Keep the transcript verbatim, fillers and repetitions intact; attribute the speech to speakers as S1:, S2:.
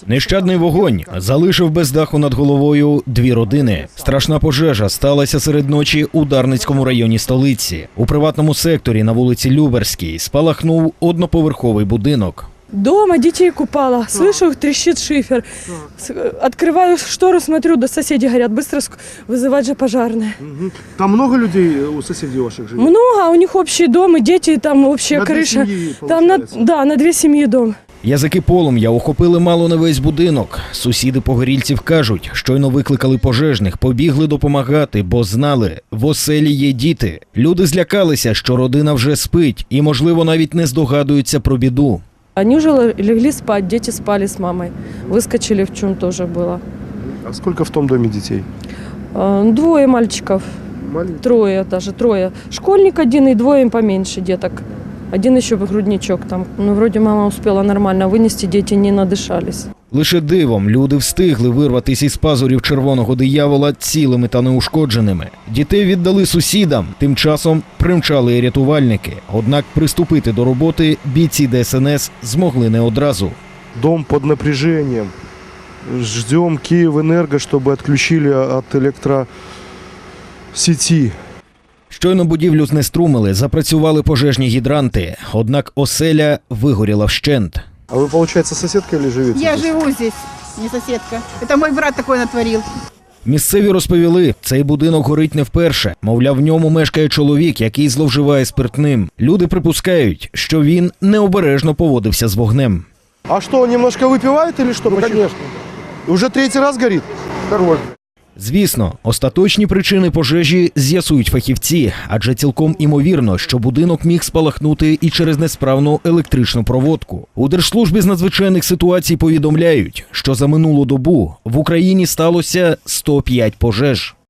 S1: Нещадний вогонь залишив без даху над головою дві родини. Страшна пожежа сталася серед ночі у Дарницькому районі столиці. У приватному секторі на вулиці Люберській спалахнув одноповерховий будинок.
S2: Дома детей купала, слышу, трещит шифер. Открываю штору, смотрю, да соседи говорят, быстро ск- вызывать же пожарные.
S3: Там много людей у соседей ваших живет?
S2: Много, а у них общий дом, и дети, там общая
S3: На две
S2: крыша.
S3: семьи,
S2: Там на,
S3: получается.
S2: да, на две семьи дом.
S1: Язики полум'я охопили мало не весь будинок. Сусіди погорільців кажуть, щойно викликали пожежних, побігли допомагати, бо знали, в оселі є діти. Люди злякалися, що родина вже спить і, можливо, навіть не здогадуються про біду.
S2: Они уже легли спать, дети спали с мамой. Выскочили, в чем тоже было.
S3: А сколько в том доме детей?
S2: А, Двое мальчиков,
S3: Маленькие.
S2: трое даже, трое. Школьник один и двое поменьше деток. Один еще грудничок там. Ну, вроде мама успела нормально вынести, дети не надышались.
S1: Лише дивом люди встигли вирватися із пазурів червоного диявола цілими та неушкодженими. Дітей віддали сусідам, тим часом примчали і рятувальники. Однак приступити до роботи бійці Де Ес Ен Ес змогли не одразу.
S3: Дом под напряжением. Ждем Киевэнерго, чтобы отключили от электросети.
S1: Щойно будівлю знеструмили, запрацювали пожежні гідранти. Однак оселя вигоріла вщент.
S3: А вы, получается, соседка или живете?
S4: Я
S3: здесь?
S4: живу здесь, не соседка. Это мой брат такой натворил.
S1: Місцеві розповіли, цей будинок горить не вперше. Мовляв, в ньому мешкає чоловік, який зловживає спиртним. Люди припускають, що він необережно поводився з вогнем.
S3: А что, он немножко выпивает или что?
S5: Ну,
S3: Почему?
S5: конечно.
S3: Уже третий раз горит?
S5: Второй.
S1: Звісно, остаточні причини пожежі з'ясують фахівці, адже цілком імовірно, що будинок міг спалахнути і через несправну електричну проводку. У Держслужбі з надзвичайних ситуацій повідомляють, що за минулу добу в Україні сталося сто п'ять пожеж.